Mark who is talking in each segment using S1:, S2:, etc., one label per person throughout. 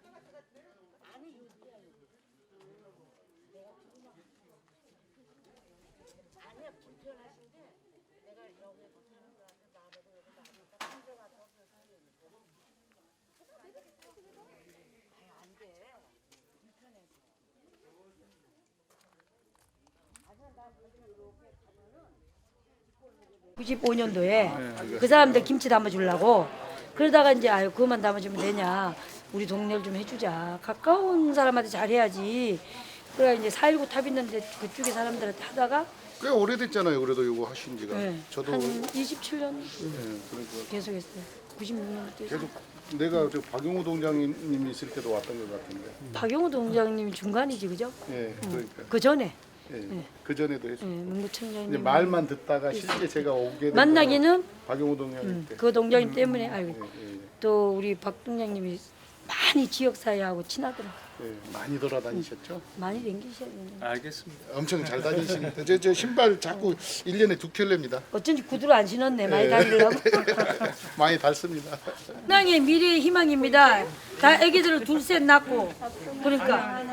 S1: 아니야 불편하신데 내가 여기 붙는 거한테 나를 여기 나니까 혼자가서 아유 안돼 불편해서 아니야 나 이렇게 가면은 95년도에 그 사람들 김치 담아주려고 그러다가 이제 아유 그것만 담아주면 되냐 우리 동네를 좀 해주자 가까운 사람한테 잘해야지 그래 이제 4.19 탑 있는데 그쪽에 사람들한테 하다가
S2: 꽤 오래됐잖아요. 그래도 이거 하신 지가.
S1: 네,
S2: 저도
S1: 한 27년
S2: 그러니까
S1: 계속 했어요. 96년 때.
S2: 계속 내가 저 박용우 동장님이 있을 때도 왔던 것 같은데.
S1: 박용우 동장님이 중간이지 그죠?
S2: 예, 그러니까.
S1: 그 전에
S2: 그 전에도 했어요.
S1: 문구청장님
S2: 이제 말만 듣다가 실제 제가 오게 된
S1: 만나기는
S2: 박용우 동장님 때.
S1: 그 동장님 때문에 알고
S2: 예,
S1: 또 우리 박 동장님이 많이 지역 사회하고 친하더라고.
S2: 많이 돌아다니셨죠?
S1: 많이 댕기셔야 되는데.
S3: 알겠습니다.
S2: 엄청 잘 다니시는데 저 신발 자꾸 1년에 2켤레입니다.
S1: 어쩐지 구두를 안 신었네 많이 다니려고.
S2: 많이 닳습니다.
S1: 땅의 미래의 희망입니다. 다 애기들을 둘셋 낳고 그러니까.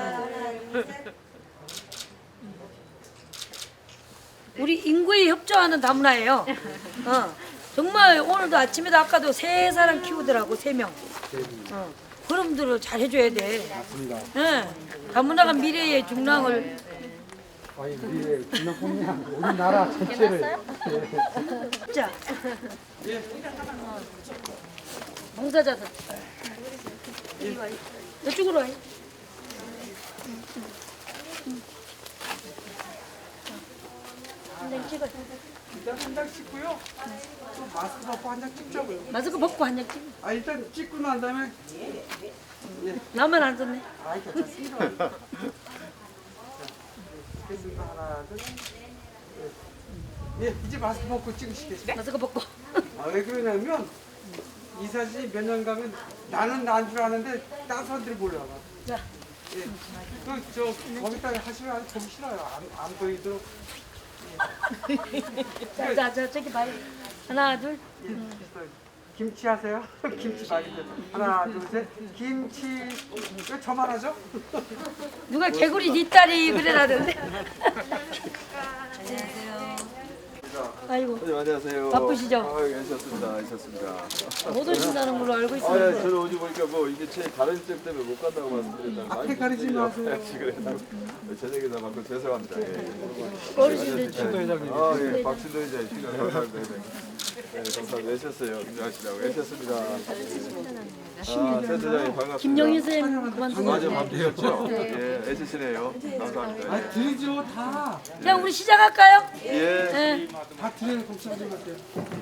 S1: 우리 인구에 협조하는 다문화예요. 정말 오늘도 아침에도 아까도 3사람 키우더라고 3명. 그럼들을 잘 해줘야 돼. 맞습니다. 다문화가 미래의 중랑을.
S4: 아니 우리 중랑뿐이 아니고 우리나라 전체를.
S1: 자, 봉사자들. 이리 와. 이쪽으로 와. 한장 찍어.
S4: 일단 한 장 찍고요. 또 마스크 벗고 한 장 찍자고요.
S1: 마스크 벗고 한 장 찍어.
S4: 아 일단 찍고 난 다음에
S1: 나만 안 썼네.
S4: 아 괜찮습니다. 됐습니다. 하나 둘. 예, 이제 마스크 벗고 찍으시겠어요?
S1: 마스크 벗고.
S4: 아 왜 그러냐면 이 사진이 몇 년 가면 나는 난 줄 아는데 다른 사람들이 몰라봐.
S1: 자,
S4: 예. 그저 거기다 하시면 보기 싫어요. 안 보이도록.
S1: 자, 저기 봐요. 하나, 둘.
S4: 김치 하세요? 김치 많이 드 하나, 둘, 셋. 김치. 왜 저만 하죠?
S1: 누가 개구리 네 딸이 그래라던데. 아이고.
S5: 네, 안녕하세요.
S1: 바쁘시죠?
S5: 아, 괜찮습니다.
S1: 못 오신다는 걸로 알고
S5: 아, 예,
S1: 있었는데.
S5: 저는 오지 보니까 뭐 이게 제 다른 점 때문에 못 간다고 말씀드렸다가
S4: 앞에 가리지 마세요.
S5: 그래서 저녁에다 받고 죄송합니다. 예.
S1: 어르신들 좀.
S5: 아, 예, 박신도 이제 시간 감사합니다. 네, 감사합니다. 애셨어요. 김장하시라고 애셨습니다. 아, 센터장님 반갑습니다.
S1: 김영희 선생님 그만 좀.
S5: 맞아, 바쁘셨죠? 예, 애쓰시네요. 감사합니다.
S4: 아, 드리죠, 다.
S1: 자, 우리 시작할까요?
S5: 예.
S1: 네.
S4: 다 드려요, 복사님한테.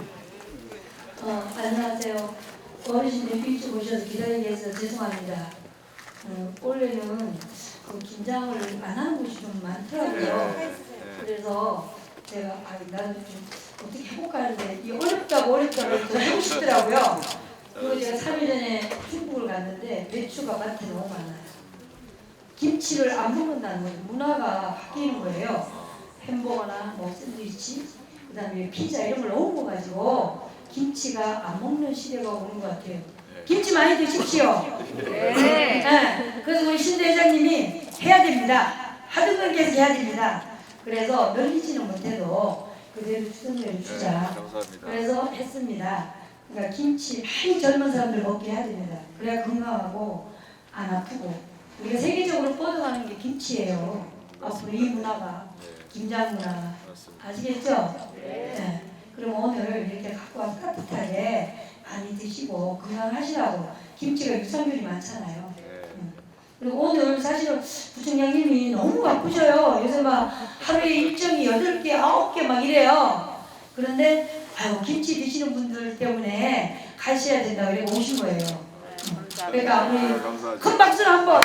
S1: 안녕하세요. 어르신들 일찍 오셔서 기다리게 해서 죄송합니다. 원래는 그 긴장을 안 하는 곳이 좀 많더라고요. 그래서 제가 나도 좀 어떻게 해볼까 하는데 이 어렵다고 또 하고 싶더라고요. 그리고 제가 3일 전에 중국을 갔는데 배추가 밭에 너무 많아요. 김치를 안 먹는다는 거예요. 문화가 바뀌는 거예요. 햄버거나 뭐 샌드위치, 그다음에 피자 이런 걸 너무 먹어가지고 김치가 안 먹는 시대가 오는 것 같아요. 김치 많이 드십시오. 네. 그래서 우리 신 대장님이 해야 됩니다. 하던 건 계속 해야 됩니다. 그래서 늘리지는 못해도 그대로 추선을 주자.
S5: 감사합니다.
S1: 그래서 했습니다. 그러니까 김치 많이 젊은 사람들 먹게 해야 됩니다. 그래야 건강하고 안 아프고 우리가 세계적으로 뻗어가는 게 김치예요. 앞으로 이 문화가 김장 문화 아시겠죠? 네. 그럼 오늘 이렇게 갖고 와서 따뜻하게 많이 드시고 건강하시라고 김치가 유산균이 많잖아요. 그리고 오늘 사실은 부총장님이 너무 바쁘셔요. 요새 막 하루에 일정이 8개, 9개 막 이래요. 그런데 아유 김치 드시는 분들 때문에 가셔야 된다 그래 오신 거예요. 그러니까 우리 큰 박수를 한번.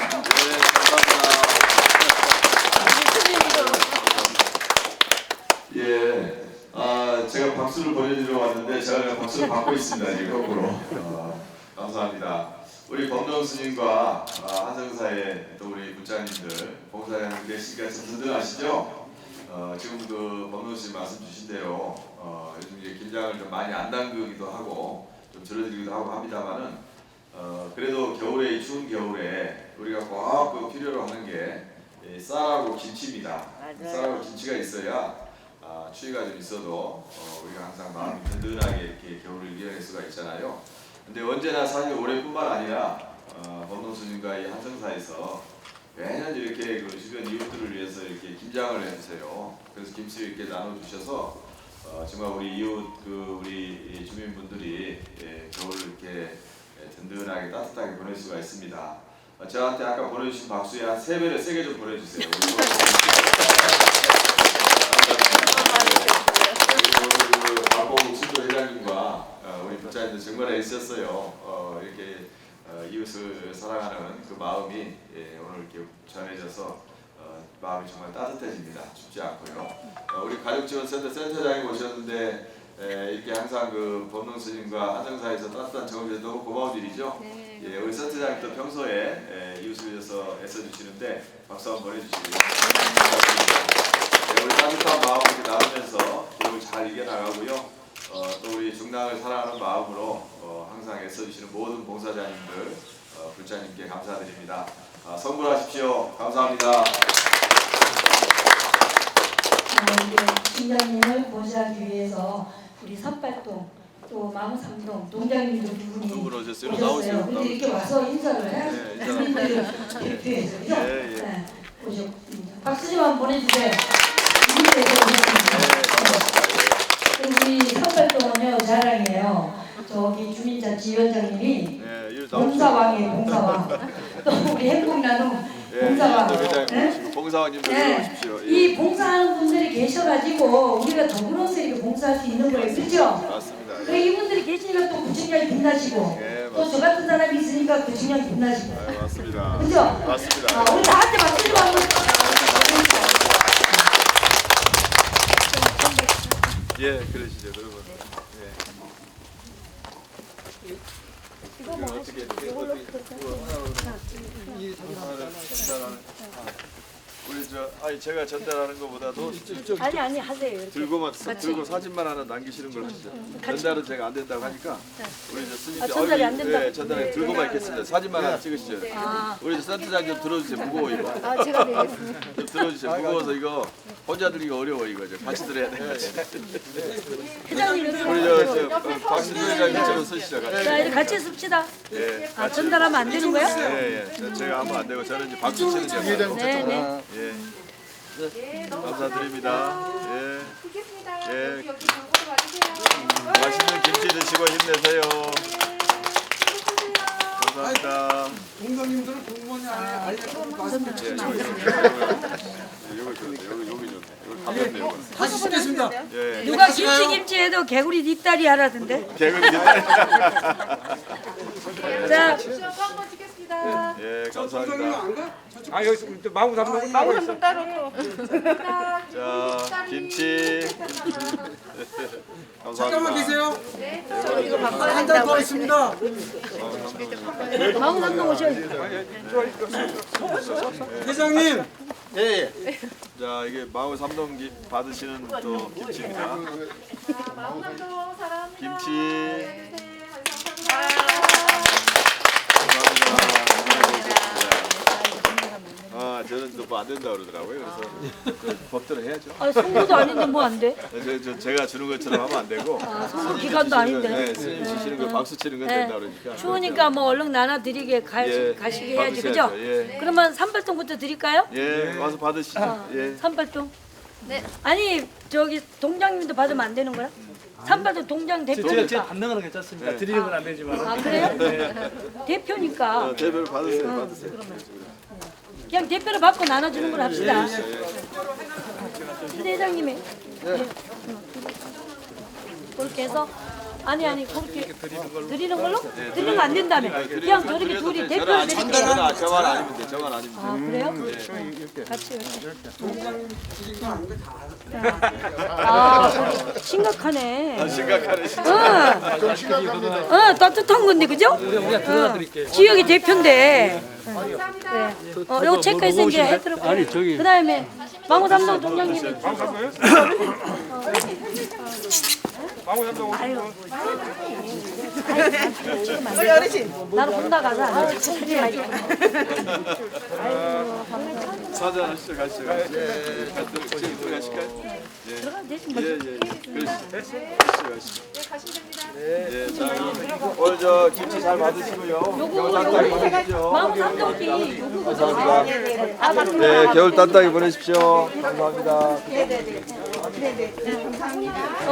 S5: 예, 제가 박수를 보내드리러 왔는데 제가 그냥 박수를 받고 있습니다. 지금 거꾸로. 감사합니다. 우리 범동 스님과 한성사의 또 우리 부장님들, 봉사자님들 계시니까 다들 아시죠? 지금 그 범동 스님 말씀 주신 대로 요즘 이제 김장을 좀 많이 안 담그기도 하고 좀 줄어들기도 하고 합니다만은 그래도 겨울에 이 추운 겨울에 우리가 꼭 필요로 하는 게 쌀하고 김치입니다. 쌀하고 김치가 있어야 추위가 좀 있어도 우리가 항상 마음이 든든하게 이렇게 겨울을 이겨낼 수가 있잖아요. 근데 언제나 사실 올해뿐만 아니라 범동스님과 이 한성사에서 매년 이렇게 그 주변 이웃들을 위해서 이렇게 김장을 해주세요. 그래서 김치를 이렇게 나눠주셔서 정말 우리 이웃 우리 주민분들이 겨울을 이렇게 든든하게 따뜻하게 보낼 수가 있습니다. 저한테 아까 보내주신 박수에 한 3배를 세게 좀 보내주세요. 그리고 박봉욱 수도 회장님과 우리 부자님들 정말 애쓰셨어요. 이렇게 이웃을 사랑하는 그 마음이 오늘 이렇게 전해져서 마음이 정말 따뜻해집니다. 춥지 않고요. 우리 가족지원센터 센터장님 오셨는데 이렇게 항상 그 법능 스님과 한정사에서 따뜻한 정을 주셔서 너무 고마운 일이죠. 예, 우리 센터장님도 평소에 이웃을 위해서 애써주시는데 박수 한번 보내주시고요. 우리 따뜻한 마음 이렇게 나누면서 겨울 잘 이겨나가고요. 또 우리 중랑을 사랑하는 마음으로 항상 애써주시는 모든 봉사자님들, 불자님께 감사드립니다. 선물하십시오. 감사합니다.
S1: 팀장님을 모시기 위해서 우리 선발동 또 마무삼동 동장님도 두 분이
S5: 오셨어요.
S1: 오셨어요. 근데 이렇게 와서 인사를 해야죠. 주민들을 대표해서 그죠? 네. 오셨습니다. 박수 좀 한번 보내주세요. 이분께서 오셨습니다. 우리 선발동은요 자랑이에요. 저기 주민자치위원장님이 봉사왕이에요. 봉사왕. 또 우리 행복나눔 봉사왕.
S5: 봉사왕님도
S1: 네.
S5: 오십시오.
S1: 이 봉사하는 분들이 계셔가지고 우리가 더불어서 이렇게 봉사할 수 있는 거예요. 그렇죠?
S5: 맞습니다.
S1: 그 이분들이 계시니까 또 구청장이 빛나시고
S5: 예,
S1: 또 저 같은 사람이 있으니까 구청장이 빛나시고
S5: 맞습니다.
S1: 그죠?
S5: 맞습니다.
S1: 우리 다 같이 박수 좀 한번
S5: 예, 그러시죠, 그러면. 이거 뭐 어떻게 우리 제가 전달하는 것보다도
S3: 아니 하세요. 이렇게.
S5: 들고 사진만 하나 남기시는 걸 하시죠. 전달은 제가 안 된다고 하니까 우리 스님들
S3: 전달이 안 된다고?
S5: 네, 전달에 들고만 있겠습니다. 사진만 하나 찍으시죠. 우리 센터장 좀 들어주세요. 무거워 이거.
S3: 제가 드리겠습니다.
S5: 좀 들어주세요. 무거워서 이거 혼자 들기가 어려워 이거. 같이 들어야 돼.
S3: 회장님
S5: 우리
S3: 여기
S5: 박신도 회장님 좀 쓰시죠. 같이.
S3: 자 이제 같이 씁시다.
S5: 예.
S3: 전달하면 안 되는 거야?
S5: 예. 제가 하면 안 되고 저는 이제 박수 치는 역할.
S3: 네네.
S5: 예. 감사드립니다. 예. 예. 맛있는 김치 드시고 힘내세요. 감사합니다.
S4: 공장님들은 공무원이 아니야.
S5: 여기 좋네. 이거 가볍네요.
S4: 다시 씹겠습니다.
S5: 예.
S3: 누가 김치 해도 개구리 뒷다리 하라던데.
S5: 개그 기다려.
S3: 자
S5: 예, 감사합니다.
S4: 아 여기 또 마구 담는 따로 있어.
S5: 자, 김치. 감사합니다.
S4: 잠깐만 계세요. 한 잔 더 있습니다.
S3: 마구삼동 오셔야지.
S4: 회장님.
S5: 자, 이게 마을 삼동 받으시는 또 김치입니다. 김치. 감사합니다. 저는 또 뭐 안 된다 그러더라고요. 그래서 법대로 해야죠.
S3: 송구도 아닌데 뭐 안 돼?
S5: 제가 주는 것처럼 하면 안 되고.
S3: 송구 기간도 아닌데.
S5: 네, 스님 주시는 거 박수 치는 건 된다 그러니까.
S3: 추우니까 뭐 얼른 나눠드리게 가시게 해야지 그죠?
S5: 예.
S3: 그러면 산발동부터 드릴까요?
S5: 예, 와서 받으시죠. 예.
S3: 산발동. 네. 아니 저기 동장님도 받으면 안 되는 거야? 산발동 동장 대표니까.
S6: 제가 받는 건 괜찮습니다. 드리는 건 안 되지만.
S3: 그래요? 대표니까
S5: 대표를 받으세요.
S3: 그냥 대표를 받고 나눠주는 걸 합시다. 근데 회장님이 그렇게 해서 아니 그렇게 드리는 걸로? 드리는 거 안 된다며. 그냥 저렇게 둘이 대표를 드릴게요.
S5: 저만 아니면 돼. 저만 아니면 돼.
S3: 그래요? 같이 이렇게. 심각하네.
S5: 심각하네.
S3: 따뜻한 건데 그죠? 지역의 대표인데. 요거 체크해서 이제 해드릴게요.
S6: 아니 저기
S3: 그다음에 망우담당 동장님이
S7: 우리 어르신.
S3: 나는 혼자 가자. 자꾸 하지 말고.
S5: 사진 하시죠, 가시죠. 예, 지금 들어가실까요?
S3: 들어가면 되지 뭐.
S5: 가시죠. 예, 자, 오늘 저 김치 잘 받으시고요. 겨울 따뜻하게 보내십시오.
S3: 마음 삼동기
S5: 감사합니다. 네, 겨울 따뜻하게 보내십시오. 감사합니다.
S7: 네네네. 감사합니다.